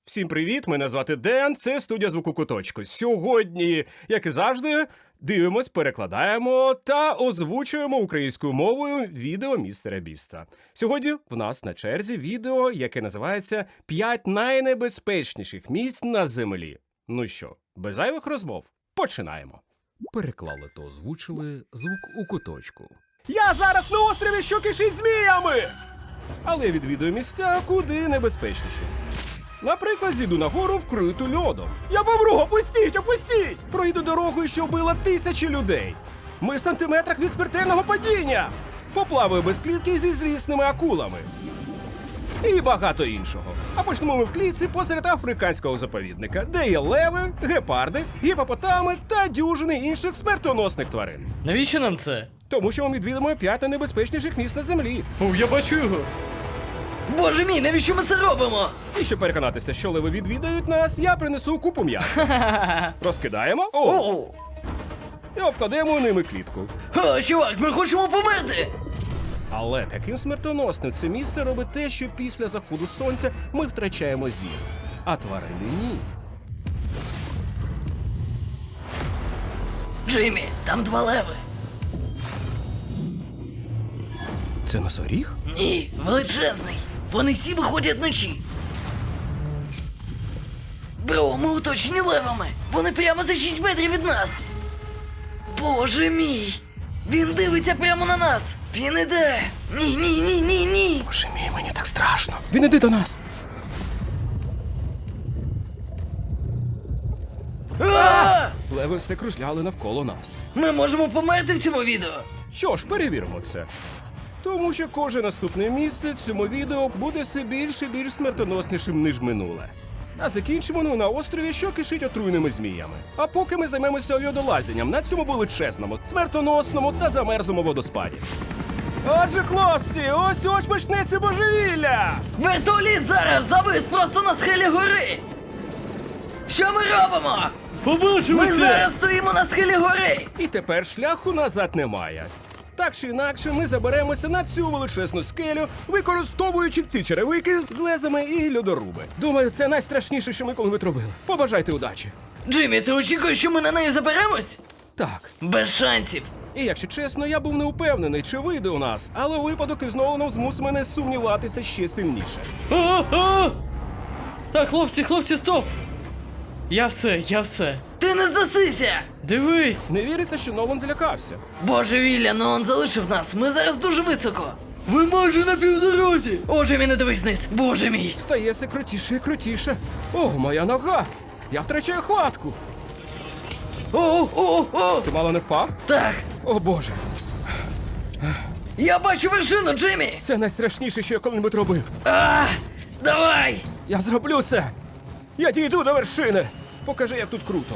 Всім привіт, мене звати Ден, це студія звуку Куточку. Сьогодні, як і завжди, дивимось, перекладаємо та озвучуємо українською мовою відео містера Біста. Сьогодні в нас на черзі відео, яке називається «5 найнебезпечніших місць на землі». Ну що, без зайвих розмов, починаємо. Переклали та озвучили звук у Куточку. Я зараз на острові, що кишить зміями! Але відвідую місця куди небезпечніші. Наприклад, зійду на гору, вкриту льодом. Я помру! Опустіть! Опустіть! Пройду дорогою, що вбила тисячі людей. Ми в сантиметрах від смертельного падіння. Поплаваю без клітки зі злісними акулами. І багато іншого. А почнемо ми в клітці посеред африканського заповідника, де є леви, гепарди, гіпопотами та дюжини інших смертоносних тварин. Навіщо нам це? Тому що ми відвідуємо 5 найнебезпечніших місць на землі. О, я бачу його. Боже мій, навіщо ми це робимо? І щоб переконатися, що леви відвідають нас, я принесу купу м'яса. Розкидаємо. О! І обкладемо ними клітку. О, чувак, ми хочемо померти! Але таким смертоносним це місце робить те, що після заходу сонця ми втрачаємо зір. А тварини ні. Джиммі, там 2 леви. Це носоріг? Ні, величезний. Вони всі виходять вночі. Бро, ми оточені левами. Вони прямо за 6 метрів від нас. Боже мій! Він дивиться прямо на нас! Він іде! Ні! Боже мій, мені так страшно. Він іде до нас. А! Леви все кружляли навколо нас. Ми можемо померти в цьому відео. Що ж, перевіримо це. Тому що кожне наступне місце в цьому відео буде все більш і більш смертоноснішим, ніж минуле. А закінчимо ми на острові, що кишить отруйними зміями. А поки ми займемося льодолазінням на цьому величезному, смертоносному та замерзлому водоспаді. Отже, хлопці, ось почнеться божевілля! Вертоліт зараз завис просто на схилі гори! Що ми робимо? Побачимо! Ми зараз стоїмо на схилі гори! І тепер шляху назад немає. Так чи інакше, ми заберемося на цю величезну скелю, використовуючи ці черевики з лезами і льодоруби. Думаю, це найстрашніше, що ми коли-небудь робили. Побажайте удачі. Джиммі, ти очікуєш, що ми на неї заберемось? Так. Без шансів. І якщо чесно, я був не впевнений, чи вийде у нас, але випадок із Ноланом змусив мене сумніватися ще сильніше. Так, хлопці, стоп! Я все. Ти не здасися! Дивись! Не віриться, що Нолан злякався. Божевілля, ну он залишив нас. Ми зараз дуже високо. Ви майже на півдорозі! О, Джиммі, не дивись вниз. Боже мій. Стає все крутіше і крутіше. О, моя нога! Я втрачаю хватку. О! Ти мало не впав? Так. О, Боже. Я бачу вершину, Джиммі! Це найстрашніше, що я коли-небудь робив. Давай! Я зроблю це! Я дійду до вершини! Покажи, як тут круто.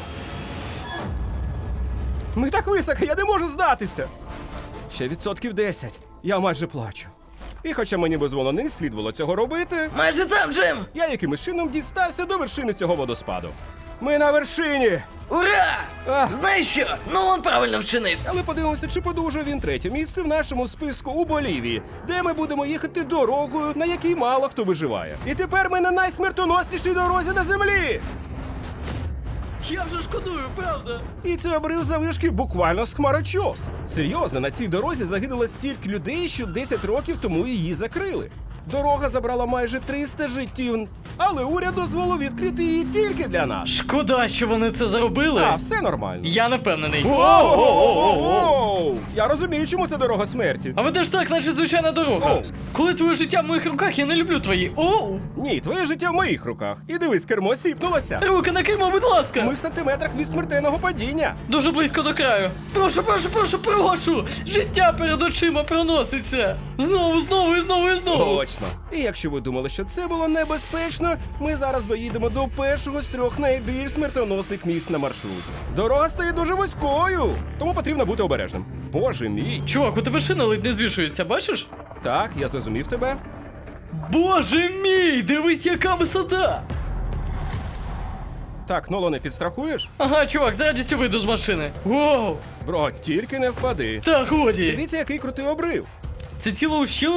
Ми так високо, я не можу здатися! Ще 10%. Я майже плачу. І хоча мені безволо не слід було цього робити, Майже там, Джим! я якимось чином дістався до вершини цього водоспаду. Ми на вершині! Ура! А. Знаєш що? Ну он правильно вчинив. Але подивимося, чи подужає він 3-є місце в нашому списку у Болівії, де ми будемо їхати дорогою, на якій мало хто виживає. І тепер ми на найсмертоноснішій дорозі на землі! Я вже шкодую, правда? І це обрив завишки буквально з хмарочос. Серйозно, на цій дорозі загинуло стільки людей, що 10 років тому її закрили. Дорога забрала майже 300 життів, але уряд дозволив відкрити її тільки для нас. Шкода, що вони це зробили. А, все нормально. Я не впевнений. Воу! Я розумію, чому це дорога смерті. А ведеш так, наче звичайна дорога. Оу. Коли твоє життя в моїх руках, я не люблю твої. Оу! Ні, твоє життя в моїх руках. І дивись, кермо сіпнулося. Руки на кермо, будь ласка! Ми в сантиметрах від смертельного падіння. Дуже близько до краю. Прошу! Життя перед очима проноситься. Знову. Точно. І якщо ви думали, що це було небезпечно, ми зараз доїдемо до першого з 3 найбільш смертоносних місць на маршруті. Дорога стає дуже вузькою, тому потрібно бути обережним. Боже мій. Чувак, у тебе шина ледь не звішується, бачиш? Так, я зрозумів тебе. Боже мій, дивись, яка висота! Так, Нолане, підстрахуєш? Ага, чувак, з радістю вийду з машини. Воу! Бро, тільки не впади. Та годі! Дивіться, який крутий обрив. Це ціла ущелина, там типу водоспад. Так, допоможи мені проїхати. Так, допоможи мені проїхати. Гаразд. Гаразд. Ось, бро, тільки не впади. Дивіться, який крутий обрив. Це ціла ущелина, там типу водоспад. Так, допоможи мені проїхати.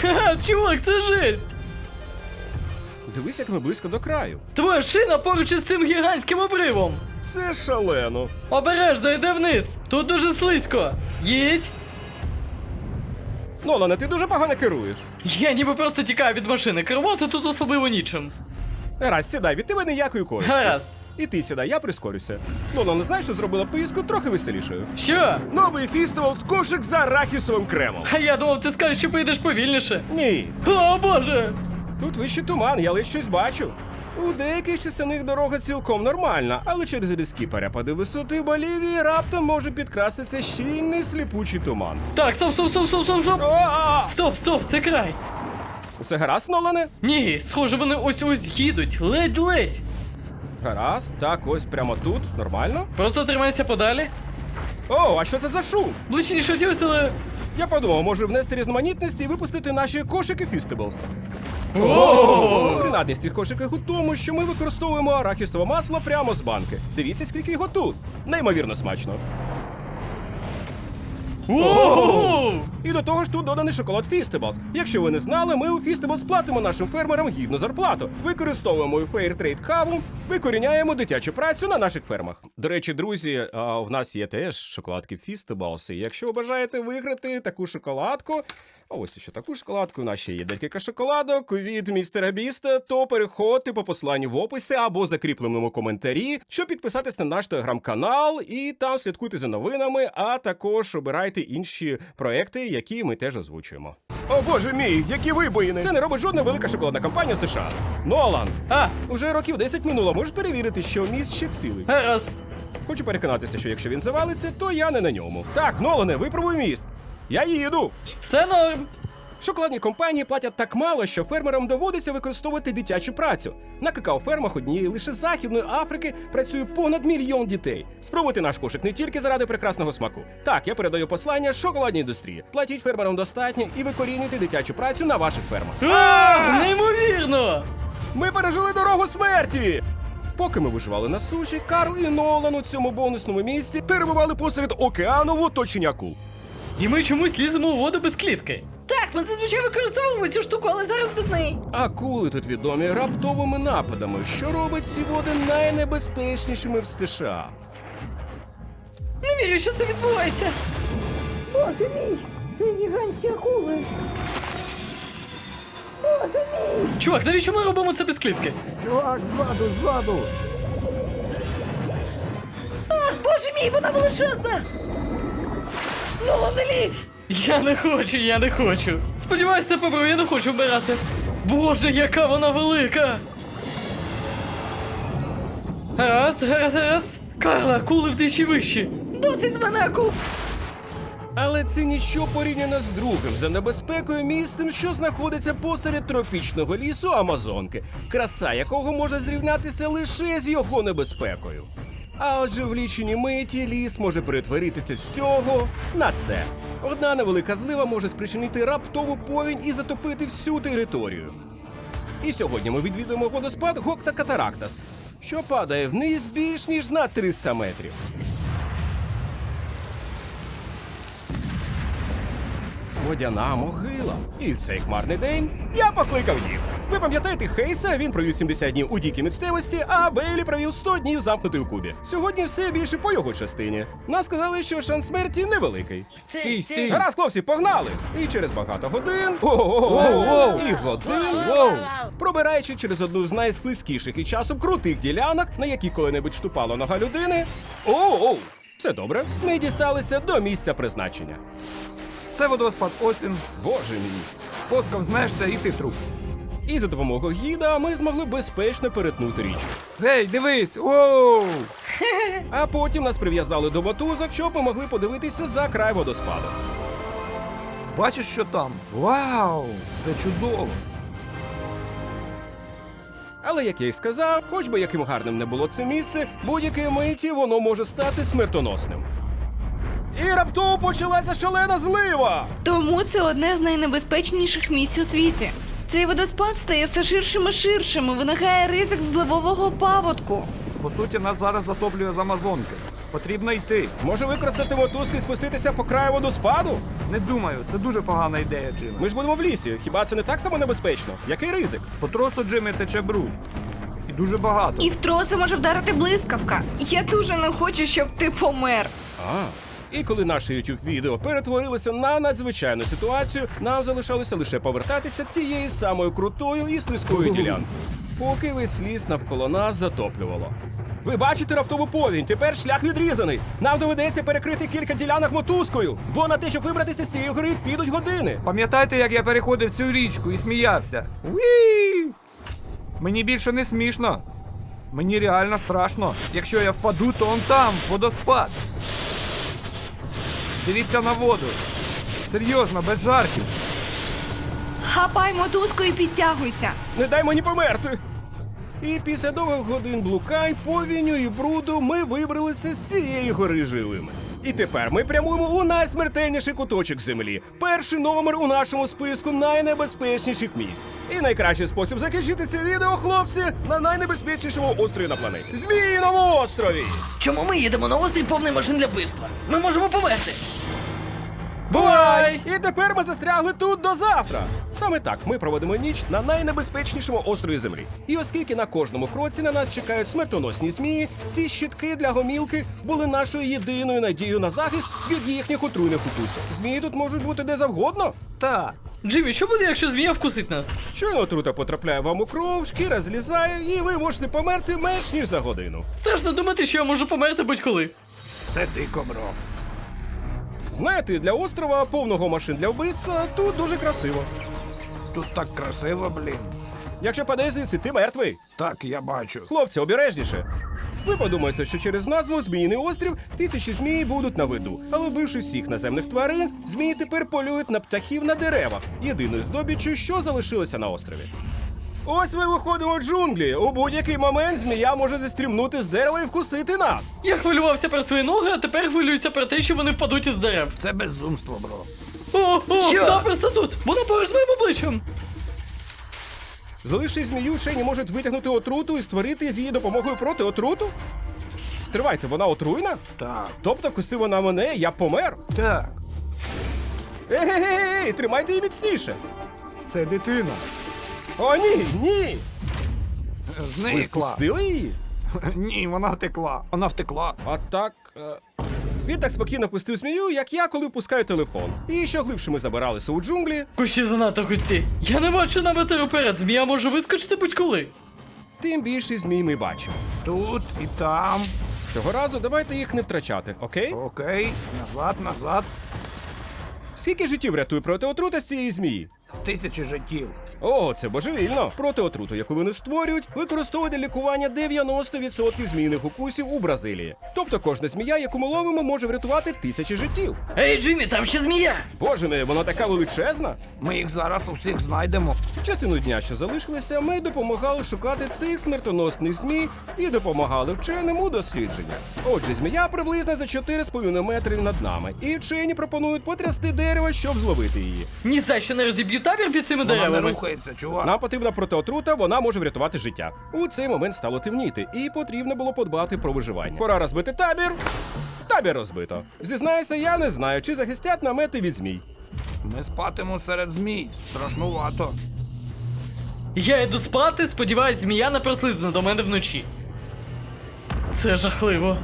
Ха, чувак, це жесть! Дивись, як ми близько до краю. Твоя шина поруч із цим гігантським обривом! Це шалено. Обережно, йди вниз! Тут дуже слизько! Їдь! Нолане, ти дуже погано керуєш. Я ніби просто тікаю від машини, керувати тут особливо нічим. Гаразд, сідай, від тебе ніякої користі. Гаразд. І ти сідай, я прискорюся. Нолане, знаєш, що зробила поїздку трохи веселішою? Що? Новий фістивал з кошик з арахісовим кремом. А я думав, ти скажеш, що поїдеш повільніше. Ні, О, боже! тут вище туман, я лише щось бачу. У деяких частинах дорога цілком нормальна, але через різкі перепади висоти Болівії раптом може підкрастися щільний сліпучий туман. Так, стоп! А! Стоп, це край! Усе гаразд, Нолане? Ні, схоже, вони ось їдуть, ледь-ледь. Гаразд, так, ось прямо тут, нормально. Просто тримайся подалі. О, а що це за шум? Ближче ніж хотілося, але... Я подумав, може внести різноманітність і випустити наші кошики Фістеблс. Принадність цих кошиків у тому, що ми використовуємо арахісове масло прямо з банки. Дивіться, скільки його тут. Неймовірно смачно. Воу! І до того ж тут доданий шоколад Фістеблс. Якщо ви не знали, ми у Фістеблс платимо нашим фермерам гідну зарплату. Використовуємо у Fairtrade каву, викоріняємо дитячу працю на наших фермах. До речі, друзі, в нас є теж шоколадки Фістеблс. І якщо ви бажаєте виграти таку шоколадку, а ось ще таку шоколадку, у нас ще є декілька шоколадок від містера Біста, то переходьте по посиланню в описі або закріпленому коментарі, щоб підписатись на наш телеграм-канал і там слідкуйте за новинами, а також обирайте інші проекти, які ми теж озвучуємо. О боже мій, які вибоїни! Це не робить жодна велика шоколадна компанія в США. Нолан, А, уже років 10 минуло, можеш перевірити, що міст ще цілий. гаразд. Хочу переконатися, що якщо він завалиться, то я не на ньому. Так, Нолане, випробуй міст. Я їду. Все норм. Шоколадні компанії платять так мало, що фермерам доводиться використовувати дитячу працю. На какао-фермах однієї лише Західної Африки працює понад 1 мільйон дітей. Спробуйте наш кошик не тільки заради прекрасного смаку. Так, я передаю послання шоколадній індустрії. Платіть фермерам достатньо і викорінюйте дитячу працю на ваших фермах. Неймовірно! Ми пережили дорогу смерті! Поки ми виживали на суші, Карл і Нолан у цьому бонусному місці перебували посеред океану в оточенні акул. І ми чомусь ліземо у воду без клітки. Так, ми зазвичай використовуємо цю штуку, але зараз без неї. Акули тут відомі раптовими нападами, що робить ці води найнебезпечнішими в США. Не вірю, що це відбувається. Боже мій, це гігантські акули. Чувак, навіщо ми робимо це без клітки? Ах, боже мій, вона величезна. Ну, не лізь. Я не хочу. Сподіваюсь, ти побрив, я не хочу вмирати. Боже, яка вона велика! Раз. Карла, акули вдвічі вищі. Досить з мене акул. Але це ніщо порівняно з другим за небезпекою місцем, що знаходиться посеред тропічного лісу Амазонки, краса якого може зрівнятися лише з його небезпекою. А отже, в лічені миті ліс може перетворитися з цього на це. Одна невелика злива може спричинити раптову повінь і затопити всю територію. І сьогодні ми відвідуємо водоспад Гокта Катарактас, що падає вниз більш ніж на 300 метрів. Водяна могила. І в цей хмарний день я покликав їх. Ви пам'ятаєте Хейса? Він провів 70 днів у дикій місцевості, а Бейлі провів 100 днів замкнутий у кубі. Сьогодні все більше по його частині. Нам сказали, що шанс смерті невеликий. Стій. Гаразд, хлопці, погнали! І через багато годин і годин, пробираючи через одну з найслизькіших і часом крутих ділянок, на які коли-небудь ступала нога людини. Це добре. Ми дісталися до місця призначення. Це водоспад Освін. Боже мій. Поскав змешся і ти труп. І за допомогою гіда ми змогли безпечно перетнути річку. Гей, дивись! Воу! А потім нас прив'язали до мотузок, щоб ми могли подивитися за край водоспаду. Бачиш, що там? Вау! Це чудово! Але, як я й сказав, хоч би яким гарним не було це місце, будь-якої миті воно може стати смертоносним. І раптово почалася шалена злива! Тому це одне з найнебезпечніших місць у світі. Цей водоспад стає все ширшим і ширшим і виникає ризик зливового паводку. По суті, нас зараз затоплює з Амазонки. Потрібно йти. Може використати мотузки і спуститися по краю водоспаду? Не думаю, це дуже погана ідея, Джиме. Ми ж будемо в лісі. Хіба це не так само небезпечно? Який ризик? По тросу Джимі тече бруд. І дуже багато. І в троси може вдарити блискавка. Я дуже не хочу, щоб ти помер. І коли наше YouTube відео перетворилося на надзвичайну ситуацію, нам залишалося лише повертатися тією самою крутою і слизькою ділянкою, поки весь ліс навколо нас затоплювало. Ви бачите раптову повінь, тепер шлях відрізаний. Нам доведеться перекрити кілька ділянок мотузкою, бо на те, щоб вибратися з цієї гори, підуть години. Пам'ятаєте, як я переходив цю річку і сміявся? Уі! Мені більше не смішно. Мені реально страшно. Якщо я впаду, то он там, водоспад. Дивіться на воду. Серйозно, без жартів. Хапай мотузку і підтягуйся. Не дай мені померти. І після довгих годин блукань, повінню і бруду ми вибралися з цієї гори живими. І тепер ми прямуємо у найсмертельніший куточок землі. Перший номер у нашому списку найнебезпечніших місць. І найкращий спосіб закінчити це відео, хлопці, на найнебезпечнішому острові на планеті. Зміїному острові! Чому ми їдемо на острів повний машин для вбивства? Ми можемо померти. Бувай! І тепер ми застрягли тут до завтра. Саме так ми проводимо ніч на найнебезпечнішому острові землі. І оскільки на кожному кроці на нас чекають смертоносні змії, ці щитки для гомілки були нашою єдиною надією на захист від їхніх отруйних укусів. Змії тут можуть бути де завгодно. Так. Джиммі, що буде, якщо змія вкусить нас? Щойно отрута потрапляє вам у кров, шкіра злізає, і ви можете померти менш ніж за годину. Страшно думати, що я можу померти будь-коли. Це дико, бро. Знаєте, для острова, повного машин для вбивства, тут дуже красиво. Тут так красиво, блін. Якщо падеш звідси, ти мертвий. Так, я бачу. Хлопці, обережніше. Ви подумаєте, що через назву Зміїний острів тисячі змій будуть на виду. Але вбивши всіх наземних тварин, змії тепер полюють на птахів на деревах, єдиною здобіччю, що залишилося на острові. Ось ми виходимо в джунглі. У будь-який момент змія може зістрімнути з дерева і вкусити нас. Я хвилювався про свої ноги, а тепер хвилююся про те, що вони впадуть із дерев. Це безумство, бро. О, Що? да, просто тут! Вона поруч з моїм обличчям! Залишивши змію, вчені можуть витягнути отруту і створити з її допомогою проти отруту? Стривайте, вона отруйна? Так. Тобто вкусив вона мене, я помер? Так. Ей, тримайте її міцніше. Це дитина. О, ні, ні! Ви Зникла. впустили її? Ні, вона втекла. Вона втекла. А так. Він так спокійно пустив змію, як я, коли впускаю телефон. І що глибше ми забиралися у джунглі, Кущі занадто густі. Я не бачу на метр уперед, змія може вискочити будь-коли. тим більше змій ми бачимо. Тут і там. Цього разу давайте їх не втрачати, окей? Окей. Назад, назад. Скільки життів рятує проти отрути з цієї змії? 1000 життів. О, це божевільно. Проти отруту, яку вони створюють, використовують для лікування 90% змійних укусів у Бразилії. Тобто кожна змія, яку ми ловимо, може врятувати 1000 життів. Ей, Джиммі, там ще змія! Боже мій, вона така величезна. Ми їх зараз усіх знайдемо. Частину дня, що залишилися, ми допомагали шукати цих смертоносних змій і допомагали вченим у дослідженнях. Отже, змія приблизно за 4,5 метри над нами, і вчені пропонують потрясти дерево, щоб зловити її. Ні за що не розіб'ю табір під цими Вона не деревами. рухається, чувак. Нам потрібна протиотрута, вона може врятувати життя. У цей момент стало темніти, і потрібно було подбати про виживання. Пора розбити табір. Табір розбито. Зізнаюся, я не знаю, чи захистять намети від змій. Ми спатимо серед змій. Страшнувато. Я йду спати, сподіваюсь, змія не прослизне до мене вночі. Це жахливо.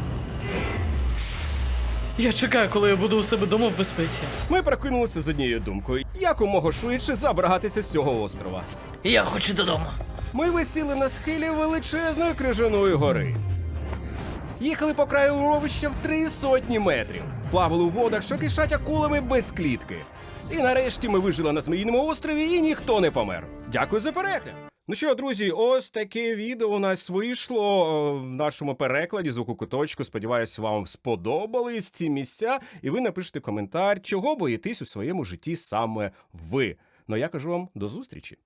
Я чекаю, коли я буду у себе дома в безпеці. Ми прокинулися з однією думкою: якомога швидше забратися з цього острова. Я хочу додому. Ми висіли на схилі величезної крижаної гори. Їхали по краю ровища в 300 метрів. Плавали у водах, що кишать акулами без клітки. І нарешті ми вижили на Зміїному острові, і ніхто не помер. Дякую за перегляд! Ну що, друзі, ось таке відео у нас вийшло в нашому перекладі «Звуку куточку». Сподіваюсь, вам сподобались ці місця, і ви напишете коментар, чого боїтесь у своєму житті саме ви. Ну, я кажу вам до зустрічі!